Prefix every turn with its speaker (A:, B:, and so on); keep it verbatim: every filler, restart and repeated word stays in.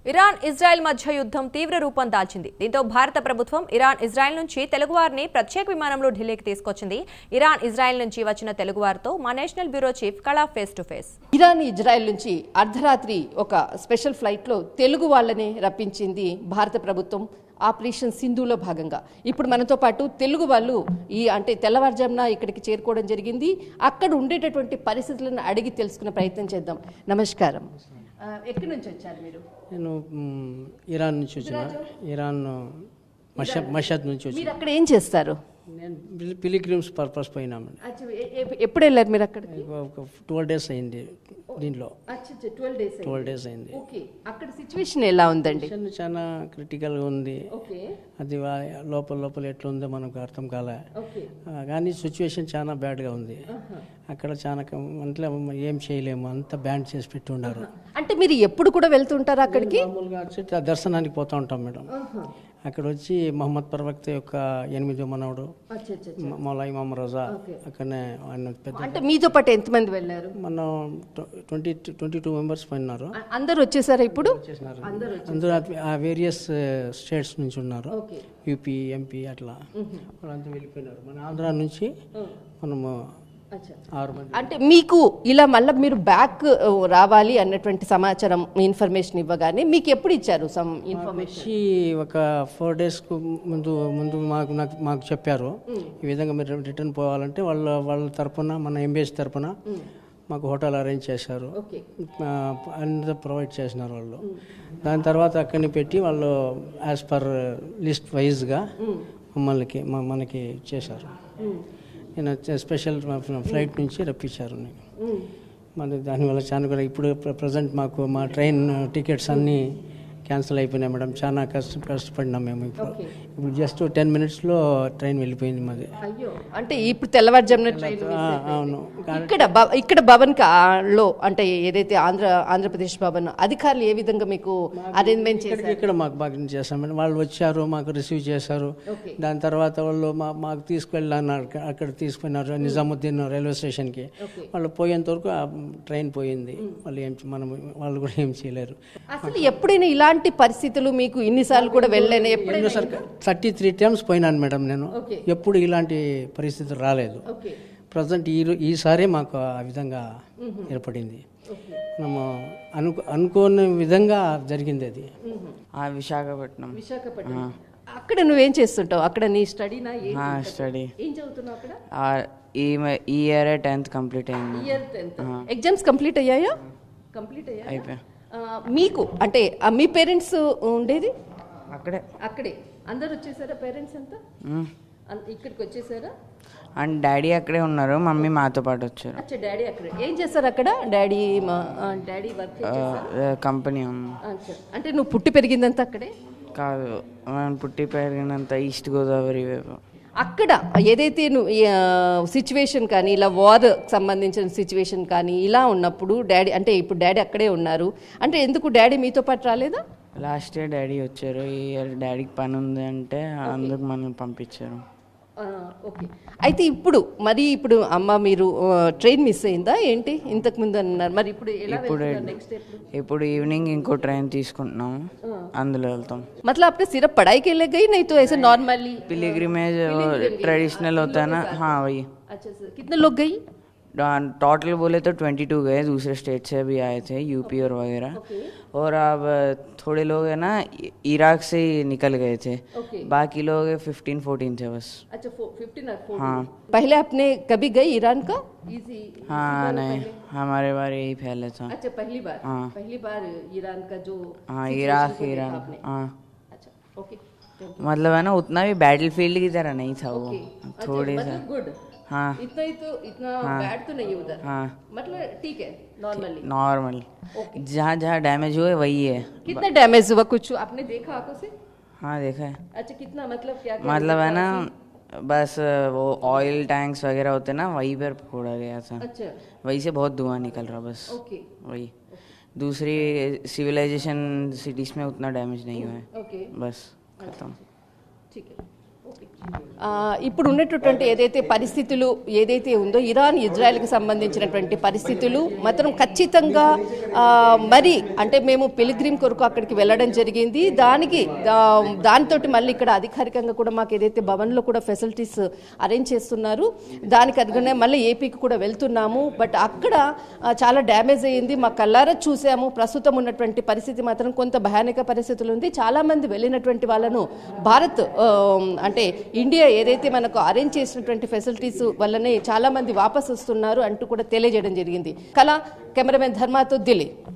A: Iran Israel మధ్య యుద్ధం తీవ్ర రూపం దాల్చింది. దీంతో భారత ప్రభుత్వం ఇరాన్ ఇజ్రాయెల్ నుంచి తెలుగువారిని ప్రత్యేక విమానంలో ఢిల్లీకి తీసుకొచ్చింది. ఇరాన్ ఇజ్రాయెల్ నుంచి వచ్చిన తెలుగువారితో మా నేషనల్ బ్యూరో చీఫ్ కళా face to face.
B: Iran Israel నుంచి అర్ధరాత్రి ఒక స్పెషల్ ఫ్లైట్లో తెలుగు వాళ్ళని రప్పించింది భారత ప్రభుత్వం. ఆపరేషన్ సింధులో భాగంగా ఇప్పుడు మనతో పాటు తెలుగు వాళ్ళు ఈ అంటే తెల్లవారుజామున ఇక్కడికి చేరుకోవడం జరిగింది. అక్కడ ఉండేటటువంటి పరిస్థితులను అడిగి తెలుసుకునే ప్రయత్నం చేద్దాం. నమస్కారం, ఎక్కడి నుంచి వచ్చారు మీరు?
C: నేను ఇరాన్ నుంచి వచ్చిన ఇరాన్ మషద్ మషద్ నుంచి వచ్చి.
B: మీరు అక్కడ ఏం చేస్తారు?
C: నేను పిలిగ్రిమ్స్ పర్పస్ పోయినామండి.
B: ఎప్పుడు వెళ్ళారు మీరు అక్కడ?
C: ఒక ట్వెల్వ్ డేస్ అయింది దీంట్లో.
B: ట్వెల్వ్ డేస్
C: ట్వెల్వ్ డేస్ అయింది.
B: అక్కడ సిచ్యువేషన్ ఎలా ఉందండి?
C: చాలా క్రిటికల్గా ఉంది. అది లోపల లోపల ఎట్లా ఉందో మనకు అర్థం కాలే, కానీ సిచ్యువేషన్ చాలా బ్యాడ్గా ఉంది. అక్కడ చాలా అంటే ఏం చేయలేము, అంత బ్యాన్ చేసి పెట్టి ఉన్నారు.
B: అంటే మీరు ఎప్పుడు కూడా వెళ్తుంటారు అక్కడికి?
C: మామూలుగా దర్శనానికి పోతూ ఉంటాం మేడం. అక్కడ వచ్చి మహమ్మద్ ప్రవక్త యొక్క ఎనిమిదో మనవడు మౌలా ఇమామ్ రజా అక్కడనే ఆయన పెద్ద.
B: అంటే మీతో పాటు ఎంతమంది వెళ్ళారు?
C: మనం ట్వంటీ ట్వంటీ టూ మెంబర్స్ పోయినారు.
B: అందరూ వచ్చేసారు ఇప్పుడు?
C: అందరూ ఆ వేరియస్ స్టేట్స్ నుంచి ఉన్నారు, యూపీ ఎంపీ అట్లా వాళ్ళంతా వెళ్ళిపోయినారు. మన ఆంధ్ర నుంచి మనము ఆరు మంది.
B: అంటే మీకు ఇలా మళ్ళీ మీరు బ్యాక్ రావాలి అన్నటువంటి సమాచారం ఇన్ఫర్మేషన్ ఇవ్వగానే మీకు ఎప్పుడు ఇచ్చారు సమ్ ఇన్ఫర్మేషన్?
C: ఒక ఫోర్ డేస్కు ముందు ముందు మాకు నాకు మాకు చెప్పారు ఈ విధంగా మీరు రిటర్న్ పోవాలంటే వాళ్ళ వాళ్ళ తరపున మన ఎంబీఎస్ తరపున మాకు హోటల్ అరేంజ్ చేశారు, అంతా ప్రొవైడ్ చేసినారు వాళ్ళు. దాని తర్వాత అక్కడిని పెట్టి వాళ్ళు యాజ్ పర్ లిస్ట్ వైజ్గా మమ్మల్ని మనకి చేశారు. నేను స్పెషల్ ఫ్లైట్ నుంచి రప్పించారు నేను. మరి దానివల్ల చాలా కూడా ఇప్పుడు ప్రజెంట్ మాకు మా ట్రైన్ టికెట్స్ అన్నీ క్యాన్సిల్ అయిపోయినాయి మేడం. చాలా కష్ట కష్టపడినాం మేము. ఇప్పుడు ఇప్పుడు జస్ట్ టెన్ మినిట్స్లో ట్రైన్ వెళ్ళిపోయింది మాది.
B: అంటే ఇప్పుడు తెల్లవారుజామున ట్రైన్.
C: అవును.
B: ఇక్కడ ఇక్కడ భవన్ లో అంటే ఏదైతే ఆంధ్ర ఆంధ్రప్రదేశ్ భవన్ అధికారులు ఏ విధంగా మీకు అరేంజ్మెంట్ చేశారు?
C: ఇక్కడ మాకు బాగా చేస్తాం మేడం. వాళ్ళు వచ్చారు, మాకు రిసీవ్ చేశారు. దాని తర్వాత వాళ్ళు మా మాకు తీసుకువెళ్ళారు, అక్కడ తీసుకున్నారు నిజాముద్దీన్ రైల్వే స్టేషన్కి. వాళ్ళు పోయేంత వరకు ఆ ట్రైన్ పోయింది. వాళ్ళు ఏం మనం వాళ్ళు కూడా ఏం చేయలేరు.
B: అసలు ఎప్పుడైనా ఇలాంటి పరిస్థితులు మీకు ఇన్నిసార్లు కూడా వెళ్ళాను? ఎప్పుడైనా
C: థర్టీ త్రీ టైమ్స్ పోయినాను మేడం నేను. ఎప్పుడు ఇలాంటి పరిస్థితి రాలేదు. ప్రజెంట్ ఈ ఈసారి మాకు ఆ విధంగా ఏర్పడింది. మనము అనుకో అనుకోని విధంగా జరిగింది అది.
D: విశాఖపట్నం.
B: విశాఖపట్నం. అక్కడ నువ్వేం చేస్తుంటావు? అక్కడ నీ స్టడీనా?
D: స్టడీ.
B: ఏం చదువుతున్నావు అక్కడ?
D: ఈ ఈ ఇయర్ టెన్త్ కంప్లీట్ అయింది.
B: ఇయర్ టెన్త్ ఎగ్జామ్స్ కంప్లీట్ అయ్యాయా? కంప్లీట్ అయ్యా.
D: అయిపోయా.
B: మీకు అంటే మీ పేరెంట్స్ ఉండేది
D: అక్కడే?
B: అక్కడే అందరు వచ్చేసారా? పేరెంట్స్ అంతా ఇక్కడికి వచ్చేసారా?
D: అండ్ డాడీ అక్కడే ఉన్నారు, మమ్మీ మాతో పాటు వచ్చారు.
B: అచ్చా, డాడీ అక్కడే. ఏం చేస్తారు అక్కడ డాడీ? మా డాడీ వర్క్
D: కంపెనీ.
B: అంటే నువ్వు పుట్టి పెరిగిందంతా అక్కడే?
D: కాదు, మనం పుట్టి పెరిగినంత ఈస్ట్ గోదావరి వైపు.
B: అక్కడ ఏదైతే నువ్వు సిచ్యువేషన్ కానీ ఇలా వార్ సంబంధించిన సిచ్యువేషన్ కానీ ఇలా ఉన్నప్పుడు డాడీ అంటే ఇప్పుడు డాడీ అక్కడే ఉన్నారు అంటే ఎందుకు డాడీ మీతో పాటు రాలేదా?
D: లాస్ట్ ఇయర్ డాడీ వచ్చారు, ఈ ఇయర్ డాడీకి పని ఉంది అంటే అందుకు మనల్ని పంపించారు.
B: ఓకే. అయితే ఇప్పుడు మరి ఇప్పుడు అమ్మ మీరు ట్రైన్ మిస్ అయిందా ఏంటి? ఇంతకు ముందు అన్నారు, మరి ఇప్పుడు
D: ఇప్పుడు ఇప్పుడు ఈవినింగ్ ఇంకో ట్రైన్ తీసుకుంటున్నాం, అందులో వెళ్తాం.
B: मतलब आपने सिर्फ पढ़ाई के लिए गई नहीं तो ऐसे नॉर्मली
D: पिलग्रिमेज ट्रेडिशनल होता है ना? हाँ वही.
B: अच्छा सर, कितने लोग गई?
D: टोटल बोले तो ट्वेंटी टू गए, दूसरे स्टेट से भी आए थे, यूपी और वगैरह. और अब थोड़े लोग है ना इराक से ही निकल गए थे, बाकी लोग फिफ्टीन फोर्टीन थे बस.
B: अच्छा, फिफ्टीन और फोर्टीन.
D: हाँ.
B: पहले आपने कभी गई ईरान का? इजी.
D: हाँ नहीं, हमारे बार यही फैले था.
B: अच्छा, पहली बार.
D: हाँ.
B: पहली बार ईरान का जो.
D: हाँ, इराक ईरान. हाँ.
B: अच्छा, ओके.
D: मतलब है ना उतना भी बैटल फील्ड की तरह नहीं था वो, थोड़ी सा.
B: गुड.
D: हाँ.
B: इतना ही तो इतना बैड तो नहीं उधर.
D: हाँ.
B: मतलब ठीक है, नॉर्मली.
D: नॉर्मल. जहाँ जहाँ डैमेज हुए वही है.
B: कितना डैमेज हुआ कुछ आपने देखा आंखों से?
D: हाँ देखा है.
B: अच्छा, कितना मतलब क्या?
D: मतलब है ना बस वो ऑयल टैंक्स वगैरह होते ना वहीं पर फोड़ा गया था.
B: अच्छा.
D: वहीं से बहुत धुआं निकल रहा बस.
B: ओके.
D: वही. दूसरी सिविलाइजेशन सिटीज में उतना डैमेज नहीं हुआ है.
B: ओके.
D: बस खत्म.
B: ठीक है. ओके. ఆ, ఇప్పుడు ఉన్నటువంటి ఏదైతే పరిస్థితులు ఏదైతే ఉందో ఇరాన్ ఇజ్రాయెల్కి సంబంధించినటువంటి పరిస్థితులు మాత్రం ఖచ్చితంగా ఆ, మరి అంటే మేము పిలిగ్రిమ్ కొరకు అక్కడికి వెళ్ళడం జరిగింది. దానికి దానితో మళ్ళీ ఇక్కడ అధికారికంగా కూడా మాకు ఏదైతే భవన్లో కూడా ఫెసిలిటీస్ అరేంజ్ చేస్తున్నారు, దానికి అనుగుణంగా మళ్ళీ ఏపీకి కూడా వెళ్తున్నాము. బట్ అక్కడ ఆ, చాలా డ్యామేజ్ అయ్యింది, మా కళ్ళారా చూసాము. ప్రస్తుతం ఉన్నటువంటి పరిస్థితి మాత్రం కొంత భయానక పరిస్థితులు ఉంది. చాలామంది వెళ్ళినటువంటి వాళ్ళను భారత్ ఆ, అంటే ఇండియా ఏదైతే మనకు అరేంజ్ చేసినటువంటి ఫెసిలిటీస్ వల్లనే చాలా మంది వాపస్ వస్తున్నారు అంటూ కూడా తెలియజేయడం జరిగింది. కళ కెమెరామెన్ ధర్మాతో ఢిల్లీ.